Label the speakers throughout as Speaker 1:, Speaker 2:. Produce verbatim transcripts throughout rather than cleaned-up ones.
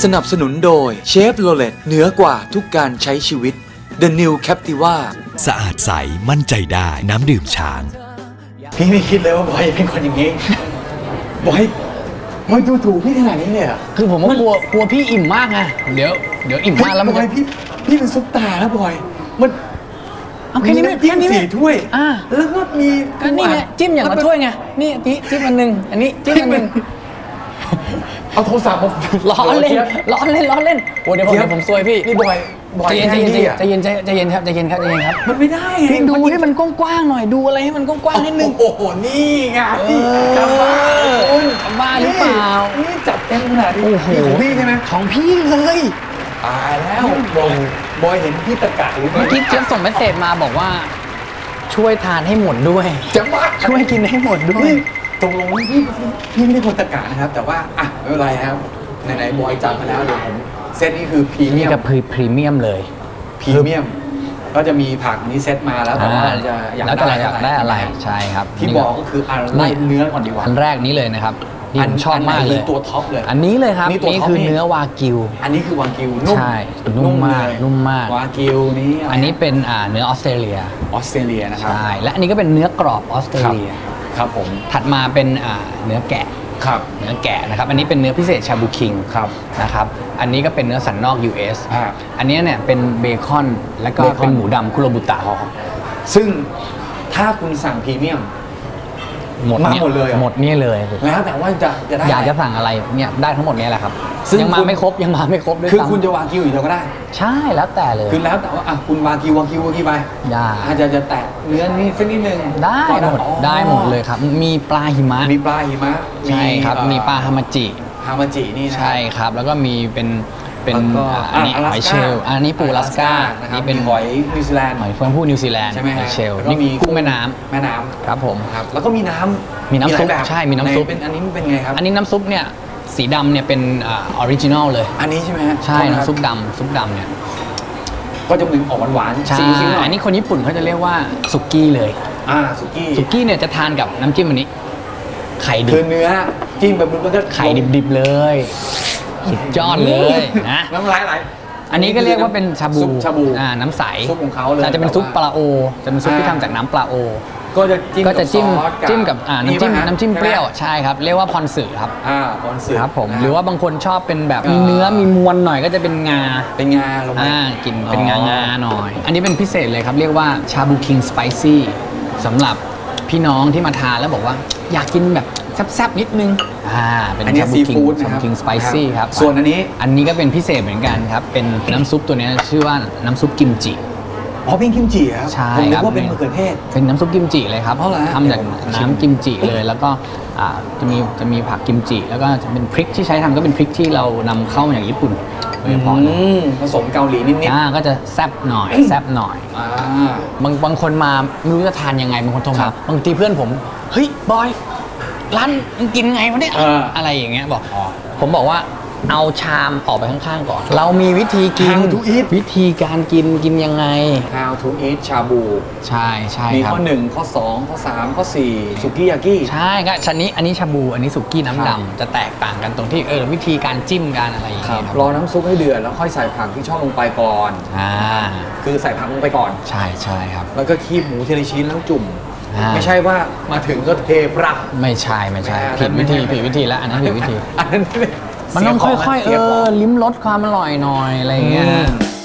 Speaker 1: สนับสนุนโดยเชฟโรเลตเหนือกว่าทุกการใช้ชีวิต The New Captiva
Speaker 2: สะอาดใสมั่นใจได้น้ำดื่มช้าง
Speaker 3: พี่ไม่คิดเลยว่าบอยเป็นคนอย่างนี้บอยบอยดูถูกพี่ขนาดนี้เลยอ่ะ
Speaker 4: คือผมก็กลัวกลัวพี่อิ่มมากไงเดี๋ยวเดี๋ยวอิ่มมากแล้วมัน
Speaker 3: บอยพี่พี่เป็นซุปตาแล้วบอยมัน
Speaker 4: เอาแค่นี้ไม่
Speaker 3: แค่นี้สี่ถ้วยอ่าแล้วก็มี
Speaker 4: ก็นี่ไงจิ้มอย่างละถ้วยไงนี่นี่จิ้มอันหนึ่งอันนี้จิ้มอันหนึ่ง
Speaker 3: เอาโทรศัพท์มา
Speaker 4: ล้อเล่นล้อเล่นล้อเล่นโอ้เดี๋ยวผมเดี๋ยวผมซวยพี่
Speaker 3: นี่บอยบอย
Speaker 4: ใจเย็นใจเย็นใจเย็นใจเย็นครับใจเย็นครับใจเย็นครับ
Speaker 3: มันไม่ได้
Speaker 4: พี่ดูให้มันกว้างๆหน่อยดูอะไรให้มันกว้างๆนิดนึง
Speaker 3: โอ้โหนี่ไงจำบ้า
Speaker 4: คุณจำบ้าหรือเปล่า
Speaker 3: นี่จับเต็มขนาดนี้
Speaker 4: โอ้โห
Speaker 3: ของพี่ใช่ไหม
Speaker 4: ของพี่เลย
Speaker 3: ตายแล้วบอยบอยเห็นพี่ตะกะหรือ
Speaker 4: เมื่อกี้เจี๊ยบส่งเมสเสจมาบอกว่าช่วยทานให้หมดด้วย
Speaker 3: จะมา
Speaker 4: ช่วยกินให้หมดด้วย
Speaker 3: ตรงลงพี่พี่ไม่ได้คนตะกะนะครับแต่ว่าอ่ะไม่เป็นไรครับไหนๆบอยจับมาแล้วเดี๋ยวผมเซตนี้คือพรีเมียม
Speaker 4: กับพรีเมียมเลย
Speaker 3: พรีเมียมก็จะมีผักนี้เซตมาแล้วแต่ว่าจะ
Speaker 4: อยากได้อยากได้อะไรใช่ครับ
Speaker 3: ที่บอกก็คืออันไล่เนื้อก่อนดีกว่า
Speaker 4: อันแรกนี้เลยนะครับอันชอบมากเลย
Speaker 3: ตัวท็อปเลย
Speaker 4: อันนี้เลยครับนี่คือเนื้อวากิว
Speaker 3: อันนี้คือวากิวนุ่ม
Speaker 4: ใช่นุ่มมากนุ่มมาก
Speaker 3: วากิวนี้
Speaker 4: อันนี้เป็นเนื้อออสเตรเลีย
Speaker 3: ออสเตรเลียนะครับ
Speaker 4: ใช่และอันนี้ก็เป็นเนื้อกรอบออสเตรเลีย
Speaker 3: ครับผม
Speaker 4: ถัดมาเป็นเนื้อแกะ
Speaker 3: ครับ
Speaker 4: เนื้อแกะนะครับอันนี้เป็นเนื้อพิเศษชาบูคิง
Speaker 3: ครับ
Speaker 4: นะครับอันนี้ก็เป็นเนื้อสันนอก ยู เอส
Speaker 3: อ่า
Speaker 4: อันนี้เนี่ยเป็นเบคอนแล้วก็เป็นหมูดำคุโรบุตะ
Speaker 3: ซึ่งถ้าคุณสั่งพรีเมียม
Speaker 4: หมดเนี่ย
Speaker 3: หมดเลย
Speaker 4: หมดเนี่ยเลย
Speaker 3: แล้วแต่ว่าจะจะได้
Speaker 4: อยากจะสั่งอะไรเนี่ยได้ทั้งหมดนี้แหละครับซึ่งยังมาไม่ครบยังมาไม่ครบด้วย
Speaker 3: คือคุณจะวากิวอีกเดียวก็ได้
Speaker 4: ใช่แล้วแต่เลย
Speaker 3: คือแล้วแต่ว่าอ่ะคุณวากิววากิววากิวไปอาจจะจะแตะเนื้อนี่สักนิดนึง
Speaker 4: ได้หมดได้หมดเลยครับมีปลาหิมะ
Speaker 3: มีปลาหิมะ
Speaker 4: ใช่ครับมีปลาฮามาจิ
Speaker 3: ฮามาจินี่นะ
Speaker 4: ใช่ครับแล้วก็มีเป็นเป็นอันนี้หอยเชลล์อันนี้ปูอลาสก้า
Speaker 3: นี่เป็นหอยนิวซีแลนด์
Speaker 4: หอยเฟืองผู้นิวซีแลนด์
Speaker 3: ใช่ไหม
Speaker 4: หอยเชลล์
Speaker 3: นี่
Speaker 4: มีกุ้งแม่น้ำ
Speaker 3: แม่น้ำ
Speaker 4: ครับผม
Speaker 3: ครับแล้วก็มีน้ำ
Speaker 4: มีน้ำซุปใช่มีน้ำซุป
Speaker 3: เป็นอันนี้เป็นไงครับ
Speaker 4: อันนี้น้ำซุปเนี่ยสีดำเนี่ยเป็นออริจินอลเลย
Speaker 3: อันนี้ใช่ไหม
Speaker 4: ใช่น้ำซุปดำซุปดำเนี่ย
Speaker 3: ก็จะเป็นออกหวาน
Speaker 4: ๆใช่อันนี้คนญี่ปุ่นเขาจะเรียกว่าสุกี้เลย
Speaker 3: อ่าสุกี้
Speaker 4: สุกี้เนี่ยจะทานกับน้ำจิ้มอันนี้ไข่ดิบ
Speaker 3: คือเนื้อจิ้มแบบมันก็
Speaker 4: ไข่ดิบๆเลยสุดยอดเลยนะ
Speaker 3: น้ำลายไหล
Speaker 4: อันนี้ก็เรียกว่าเป็นชาบู
Speaker 3: ชาบู
Speaker 4: อ่าน้ำใส
Speaker 3: ซุปของเขาเลย
Speaker 4: จะเป็นซุปปลาโอจะเป็นซุปที่ทำจากน้ำปลาโอ
Speaker 3: ก็จะจิ้ม
Speaker 4: ก็จะจิ้มจิ้มกับอ่าน้ำจิ้มน้ำจิ้มเปรี้ยวใช่ครับเรียกว่าพรสึครับ
Speaker 3: อ่าพรสึ
Speaker 4: ครับผมหรือว่าบางคนชอบเป็นแบบมีเนื้อมีมวลหน่อยก็จะเป็นงา
Speaker 3: เป็นงาลงมา
Speaker 4: อ่ากินเป็นงางาหน่อยอันนี้เป็นพิเศษเลยครับเรียกว่าชาบูคิงสไปซี่สำหรับพี่น้องที่มาทานแล้วบอกว่าอยากกินแบบแซ่บๆนิดนึงอ่าเป็นชาบูคิงชาบูคิงสไปซี่ครับ
Speaker 3: ส่วนอันนี้
Speaker 4: อันนี้ก็เป็นพิเศษเหมือนกันครับเป็นน้ำซุปตัวนี้ชื่อว่าน้ำซุปกิมจิ
Speaker 3: อ๋อเป็นกิมจิครับ
Speaker 4: ใช่
Speaker 3: ผมนึกว่าเป็นมะเขือเทศ
Speaker 4: เป็นน้ำซุปกิมจิเลยครับทำจากน้ำกิมจิเลยแล้วก็จะมีจะมีผักกิมจิแล้วก็จะเป็นพริกที่ใช้ทำก็เป็นพริกที่เรานำเข้ามาจากญี่ปุ่นโดยเฉพาะ
Speaker 3: ผสมเกาหลีนิดๆ
Speaker 4: อ่าก็จะแซ่บหน่อยแซ่บหน่อยบางบางคนมาไม่รู้จะทานยังไงบางคนโทรมาบางทีเพื่อนผมเฮ้ยบอยร้านมึงกินไงวะเนี่ยอะไรอย่างเงี้ยบอกผมบอกว่าเอาชามออกไปข้างๆก่อนเรามีวิธีกินวิธีการกินกินยังไง
Speaker 3: How to eat ชาบู
Speaker 4: ใช่ใช่
Speaker 3: มีข้อหนึ่งข้อสองข้อสามข้อสี่สุกี้ยากิ
Speaker 4: ใช่ก็ชั้นนี้อันนี้ชาบูอันนี้สุกี้น้ำดำจะแตกต่างกันตรงที่เออวิธีการจิ้มการอะไรอย่างเงี้ย
Speaker 3: รอน้ำซุปให้เดือดแล้วค่อยใส่ผักที่ชอบลงไปก่อน
Speaker 4: อ่า
Speaker 3: คือใส่ผักลงไปก่อน
Speaker 4: ใช่ใช่ครับ
Speaker 3: แล้วก็คีบหมูทีละชิ้นแล้วจุ่มไม่ใช่ว่ามาถึงก็เทปรัก
Speaker 4: ไม่ใช่ไม่ใช่ผิดวิธีผิดวิธีแล้วอันนั้นผิดวิธี
Speaker 3: อันนั้น
Speaker 4: มันต้องค่อยๆเออลิ้มรสความอร่อยหน่อยอะไรอย่างเงี้ย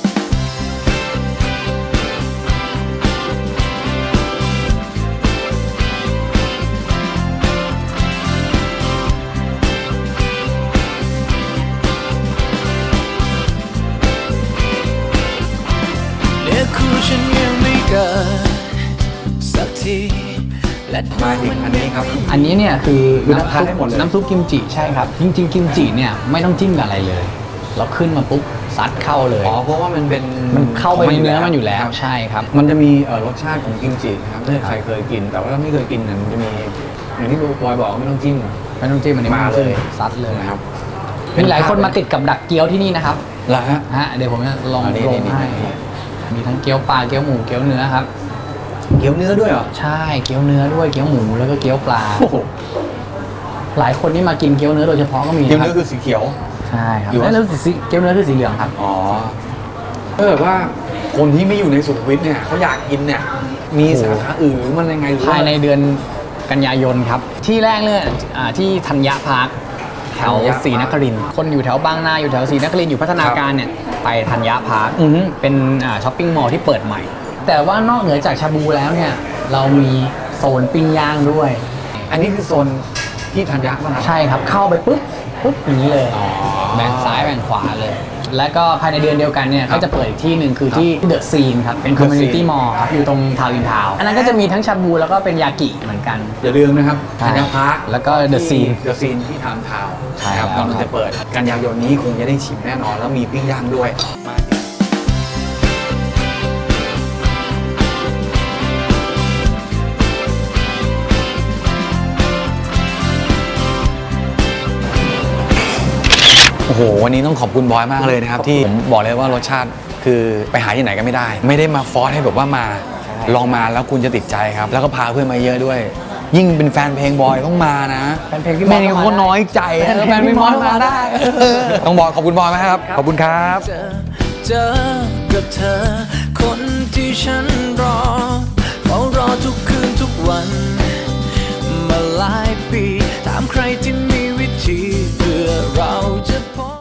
Speaker 2: เนี่ยคู่ฉันยังไม่เกิดสักที
Speaker 3: มาอีกอันนี้ครับ
Speaker 4: อันนี้เนี่ยคือน้ำซุป
Speaker 3: น้ำ
Speaker 4: น้ำซุปกิมจิใช่ครับจริงๆกิมจิเนี่ยไม่ต้องจิ้มกับอะไรเลยเราขึ้นมาปุ๊บซัดเข้าเลย
Speaker 3: อ๋อเพราะว่ามันเป็น
Speaker 4: มันเข้าไปในเนื้อมันอยู่แล้วใช่ครับ
Speaker 3: มันจะมีรสชาติของกิมจิครับถ้าใครเคยกินแต่ว่าถ้าไม่เคยกินเนี่ยมันจะมีอย่างที่บอยบอกไม่ต้องจิ้ม
Speaker 4: ไม่ต้องจิ้มอันนี้
Speaker 3: มาเลย
Speaker 4: ซัดเลย
Speaker 3: นะครับ
Speaker 4: มีหลายคนมาติดกับดักเกี๊ยวที่นี่นะครับ
Speaker 3: เหรอฮะ
Speaker 4: ฮะเดี๋ยวผมจะลองลงให้มีทั้งเกี๊ยวปลาเกี๊ยวหมูเกี๊ยวเนื้อครับ
Speaker 3: เกี๊ยวเนื้อด้วยเหรอ
Speaker 4: ใช่เกี๊ยวเนื้อด้วยเกี๊ยวหมูแล้วก็เกี๊ยวปลาหลายคนที่มากินเกี๊ยวเนื้อโดยเฉพาะก็มี
Speaker 3: เกี๊ยวเนื้อคือสีเขียว
Speaker 4: ใช่ครับ
Speaker 3: หรือว่า
Speaker 4: แล้วสีเกี๊ยวเนื้อคือสีเหลืองครับ
Speaker 3: อ๋อถ้าเกิดว่าคนที่ไม่อยู่ในสุขุมวิทเนี่ยเขาอยากกินเนี่ยมีสาขาอื่นหรือมันยังไงหรือ
Speaker 4: ภา
Speaker 3: ว่าย
Speaker 4: ในเดือนกันยายนครับ ที่แรกเลยอ่าที่ธัญญาพาร์คแถวศรีนครินทร์คนอยู่แถวบางนาอยู่แถวศรีนครินทร์อยู่พัฒนาการเนี่ยไปธัญญาพาร์ค
Speaker 3: อือฮึ
Speaker 4: เป็นอ่าช้อปปิ้งมอลล์ที่เปิดใหม่ แต่ว่านอกเหนือจากชาบูแล้วเนี่ยเรามีโซนปิ้งย่างด้วย
Speaker 3: อันนี้คือโซนที่ธัญญาป่ะครับ
Speaker 4: ใช่ครับเข้าไปปุ๊บปุ๊บอย่างนี้เลย
Speaker 3: อ๋อ
Speaker 4: แบ่งซ้ายแบ่งขวาเลย แล้วก็ภายในเดือนเดียวกันเนี่ย
Speaker 3: ครับ
Speaker 4: ก็จะเปิดอีกที่หนึ่งคือที่เดอะซีนครับเป็น
Speaker 3: The
Speaker 4: คอมมูนิตี้
Speaker 3: Scene
Speaker 4: มอลล์ครับอยู่ตรงทาวน์อินทาวน์อันนั้นก็จะมีทั้งชาบูแล้วก็เป็นยากิเหมือนกัน
Speaker 3: อย่าลืมนะครับ
Speaker 4: ใช่
Speaker 3: ธัญญาพาร์ค
Speaker 4: แล้วก็ The Scene
Speaker 3: เดอะซีนที่ทามทาวน์
Speaker 4: ใช่
Speaker 3: นะครับ
Speaker 4: แล้ว
Speaker 3: กำลัง
Speaker 4: ครั
Speaker 3: จะ
Speaker 4: บ
Speaker 3: เปิดกันยายนนี้คงจะได้ชิมแน่นอนแล้วมีปิ้งย่างด้วยมาโอ้โหวันนี้ต้องขอบคุณบอยมากเลยนะครับที่ผมบอกเลยว่ารสชาติคือไปหาที่ไหนก็ไม่ได้ ไม่ได้มาฟอร์สให้แบบว่ามาลองมาแล้วคุณจะติดใจครับ แล้วก็พาเพื่อนมาเยอะด้วย ยิ่งเป็นแฟนเพลงบอยต้องมานะ
Speaker 4: แฟนเพลงพี่มอส
Speaker 3: ไม่งั้นเขาน้อยใจ
Speaker 4: แฟนเพลงพี่มอสมาได้
Speaker 3: ต้องบอกขอบคุณบอยมากครับ ขอบคุณครับ
Speaker 2: เจอเจอกับเธอ คนที่ฉันรอเฝ้ารอทุกคืนทุกวัน มาหลายปีถามใครที่มีวิธีเพื่อเราจะพบ